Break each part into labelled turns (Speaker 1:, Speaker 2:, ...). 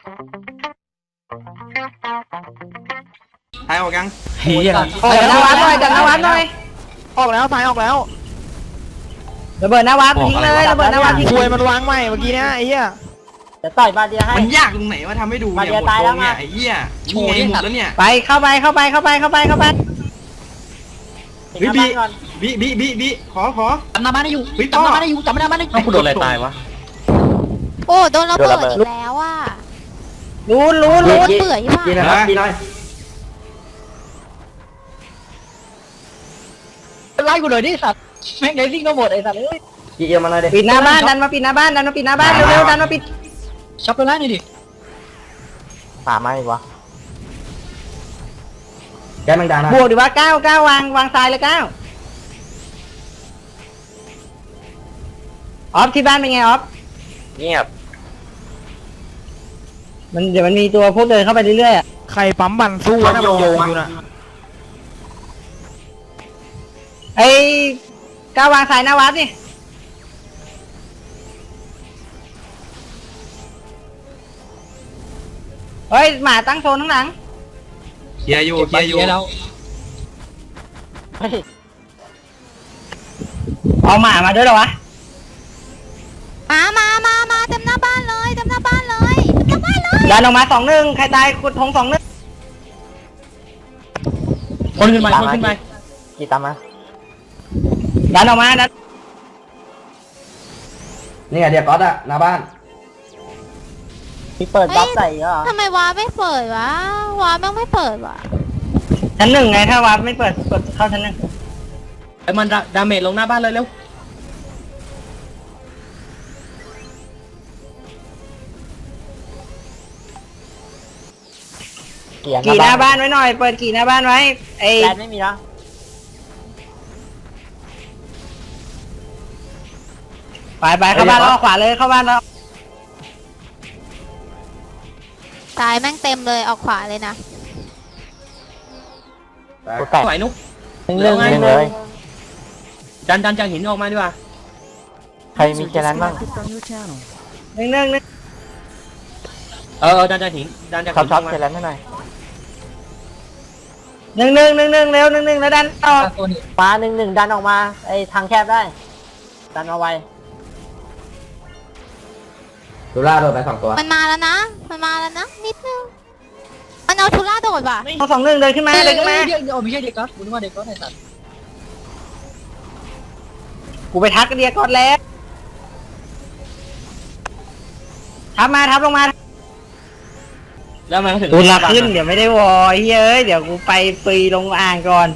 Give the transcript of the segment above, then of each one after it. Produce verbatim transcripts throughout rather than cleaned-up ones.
Speaker 1: ทายออกยัง
Speaker 2: เฮีย
Speaker 3: ออกหน้าวัดหน่อยจัดหน้าวัดหน่อย
Speaker 4: ออกแล้วทายออกแล้ว
Speaker 3: ระเบิดหน้าวัดทิ้งเลยระเบิดหน้าวัดทิ้ง
Speaker 4: คุยมันวางใหม่เมื่อกี้เนี่ยไอ้เหี้ย
Speaker 5: จะต่อยบาเดียให้
Speaker 1: มันยากตรงไหนว่าทำให้ดูเนี่ยหมดตรงเนี่ยไอ้เหี้ยนี่ไงหมดแล้วเนี่ย
Speaker 3: ไปเข้าไปเข้าไปเข้าไปเข้าไปเข้าไป
Speaker 1: เฮ้ยบีบีบีบีบีขอขอ
Speaker 2: จำหน้าบ้านได้อยู่
Speaker 1: เฮ้ย
Speaker 2: จำหน้าบ้านได้อยู่จำหน้าบ้านได้อยู่
Speaker 6: กูโดนอะไรตายวะ
Speaker 7: โอ้โดนระเบิดอีกแล้วอ่ะ
Speaker 3: รู้รู้
Speaker 7: โด
Speaker 3: รู้
Speaker 7: นเปื่อยป่ะ
Speaker 6: กินนะครับกินหน่อย
Speaker 2: ไล่กูหน่อยดิสัตว์แม่งไดซิ่งก็หมดไอ้สัตว์เอ้ย
Speaker 6: กินเอียมาหน่อยดิ
Speaker 3: ปิดหน้าบ้านดันมาปิดหน้าบ้านดันมาปิดหน้าบ้านเร็วๆดันมาปิด
Speaker 2: ช็อปไปไล่หน่อยดิ
Speaker 5: สามไม่วะ
Speaker 6: แกมังดานะ
Speaker 3: บวกดีว่าเก้าเก้าวางวางทรายเลยเก้าออฟที่บ้านเป็นไงออฟ
Speaker 6: เงียบ
Speaker 3: มันเดี๋ยวมันมีตัวพวกเดินเข้าไปเรื่อยๆอ่ะ
Speaker 4: ใครปั๊มบันสู้นะมันโยงอยู่น่ะ
Speaker 3: ไอ้ก้าววางทรายหน้าวัดนี่เฮ้ยหมาตั้งโซนข้างหลัง
Speaker 1: เคลียร์อยู่เคลียร์อยู่
Speaker 2: แล้ว
Speaker 3: เอาหมามาด้วยเหรอวะ
Speaker 7: มามามามาเต็มหน้าบ้านเลยเต็มหน้าบ้านเลยเต็มหน้าบ้านเลย
Speaker 3: ดันออกมาสองหนึ่งใครตายขุดทงสองหนึ่ง
Speaker 2: คนขึ้นไปคนขึ้นไป
Speaker 5: กี่ตามมา
Speaker 3: ดันออกมาดัน
Speaker 6: นี่ไงเดียก๊อตอะหน้าบ้าน
Speaker 5: พี่เปิดบัฟใส่เหรอ
Speaker 7: ทำไมวาไม่เปิดวะวาแม่งไม่เปิดวะ
Speaker 3: ชั้นหนึ่งไงถ้าวัดไม่เปิดกดเข้าชั้นหนึ่ง
Speaker 2: ไอ้มันดาเมจลงหน้าบ้านเลยเร็ว
Speaker 5: เกียร์
Speaker 3: กี่หน้าบ้านไว้หน่อยเปิดกี่หน้าบ้านไว้ไอ้
Speaker 5: แลนไม่มีแล้ว
Speaker 3: ไปไปเข้าบ้านแล้วขวาเลยเข้าบ้านแล้ว
Speaker 7: ตายแม่งเต็มเลยออกขวาเลยนะ
Speaker 5: กูแตก
Speaker 2: ไหวนุ๊ก
Speaker 5: หนึ่งเรื่องหนึ่งเลย
Speaker 2: ดันดันจากหินออกมาดีกว่า
Speaker 5: ใครมีแค่นั้นบ้าง
Speaker 3: หนึ่งหนึ่งหนึ่ง
Speaker 2: เออดันจากหินดันจาก
Speaker 5: ช็อ
Speaker 2: หิ
Speaker 5: ป
Speaker 2: น
Speaker 5: ช็อป
Speaker 2: มา
Speaker 5: แค่นั้นให้หน่อย
Speaker 3: หนึ่งหนึ่งหนึ่งหนึ่งเร็วหนึ่งหนึ่งแล้วดันต่อ
Speaker 5: มาหนึ่งหนึ่งดันออกมาไอ้ทางแคบได้ ดันเอาไว้
Speaker 6: ดูล่าโดนไปสองตัว
Speaker 7: มันมาแล้วนะมันมาแล้วนะนิดนึงมันเอาทุล่าโดดว่ะ
Speaker 3: เอาสองหนึ่งเดินขึ้นมาเดินขึ้นมา
Speaker 2: เดี๋ยวเดี๋ยวไม่ใช่เด็กก๊อตกูนึกว่าเด็กก๊อตไอ้สัตว์
Speaker 3: กูไปทักเดียก่อนแล้วทับมาทับลงมา
Speaker 2: แล้วมันก็ถึง
Speaker 3: ตูนละขึ้นเดี๋ยวไม่ได้วอเฮ้ยเดี๋ยวกูไปปีลงอ่างก่อน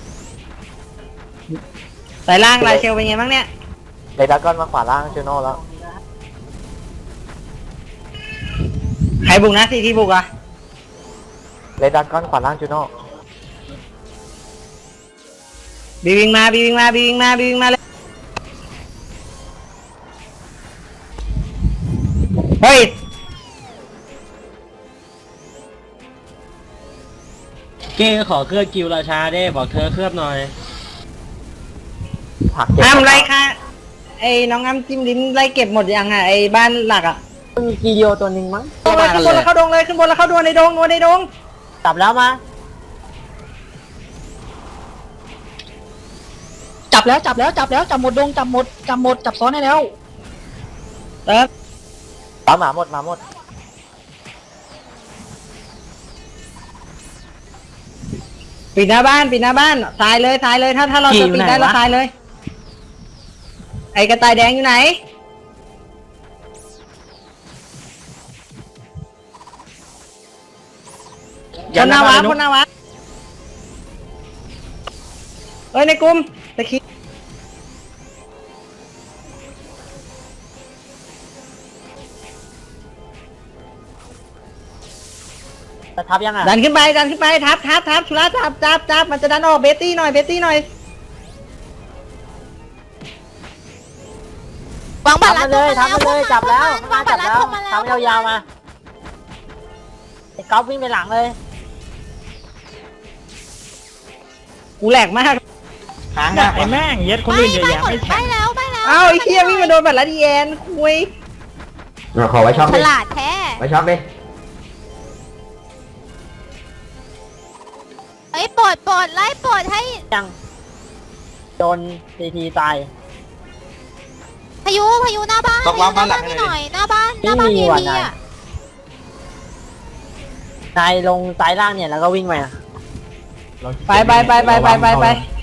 Speaker 3: สายล่างลายเชลเป็นไงบ้างเนี่ย
Speaker 5: เลดากอนมาขวาล่างจูโน่แล้ว
Speaker 3: ใครบุกนะซีทีบุกอ่ะ
Speaker 5: เลดากอนขวาล่างจูโน่
Speaker 3: บีวิงมาบีวิงมาบีวิงมาบีวิงมาเลยเฮ้ย
Speaker 2: เก้ขอเคลือบกิวราชาได้บอกเธอเคลือบหน่อย
Speaker 5: ผักเก็บ
Speaker 3: อ้ามไรคะไอ้น้องอ้ามจิ้มลิ้นไล่เก็บหมดยังอ่ะไอ้บ้านหลักอ่ะ
Speaker 5: มีกีเดียวตัวหนึ่งมั้ง
Speaker 3: ขึ้นบนขึ้นบนแล้วเข้าดงเลยขึ้นบนแล้วเข้าดงในดงดงในดง
Speaker 5: จับแล้วมา
Speaker 2: จับแล้วจับแล้วจับแล้วจับหมดดงจับหมดจับหมดจับซ้อนให้แล้ว
Speaker 3: เติม
Speaker 5: ปาหมาหมดหมาหมด
Speaker 3: ปิดหน้าบ้านปิดหน้าบ้านตายเลยตายเลยถ้าถ้าเราจะปิดได้เราตายเลย ไอ้กระต่ายแดงอยู่ไหนคนหน้าวัดคนหน้าวัดเอ้ยในกลุ่มตะคี
Speaker 5: จะทับยังอ่ะ
Speaker 3: ดันขึ้นไปดันขึ้นไปทับทับทับชุระจับจับจับมันจะดันออกเบตตี้หน่อยเบตตี้หน่อยว
Speaker 7: างบั
Speaker 5: ทั
Speaker 7: ต
Speaker 5: บ
Speaker 7: ร
Speaker 5: มา
Speaker 7: ลัด
Speaker 5: เลยทับมาเลยจับแล้ว
Speaker 7: วางบั
Speaker 5: จั
Speaker 7: ต
Speaker 5: บ
Speaker 7: รลัด
Speaker 5: แล้ว
Speaker 7: เข้ามาแล้ว
Speaker 5: ทับยาวๆมาไอ้ก๊อฟวิ่งไปหลังเลย
Speaker 3: กูแหลกมาก
Speaker 1: ค้าง
Speaker 4: ไอ้แม่งเย็ดคนอื่นเยอะแยะไม่
Speaker 7: ไป
Speaker 4: แข่ง
Speaker 7: แล้วไปแล้ว
Speaker 3: เอ้าไอ้เคียวิ่งมาโดนบัตรลัดแยนคุย
Speaker 6: เราขอไว้ช็อป
Speaker 7: ฉ
Speaker 6: ดิ
Speaker 7: ลาดแท้
Speaker 6: ไว้ช็อปดิ
Speaker 7: ดปลดไล่ปลดให้
Speaker 5: ยังโดนทีทีตาย
Speaker 7: พายุพายุหน้าบ้าน
Speaker 1: ต้องวางบ้านหลัง
Speaker 7: พ
Speaker 1: ให้
Speaker 7: ยุ
Speaker 1: หน่อย
Speaker 7: หน้าบ้านหน้าบ้าน
Speaker 5: ไม่มี
Speaker 7: เอ
Speaker 5: ว่ะ
Speaker 7: พี
Speaker 5: นาย
Speaker 7: อ่ะ
Speaker 5: นายลงซ้ายล่างเนี่ยแล้วก็วิ่งไปอะ
Speaker 3: ไปไปไปไปไปไปไป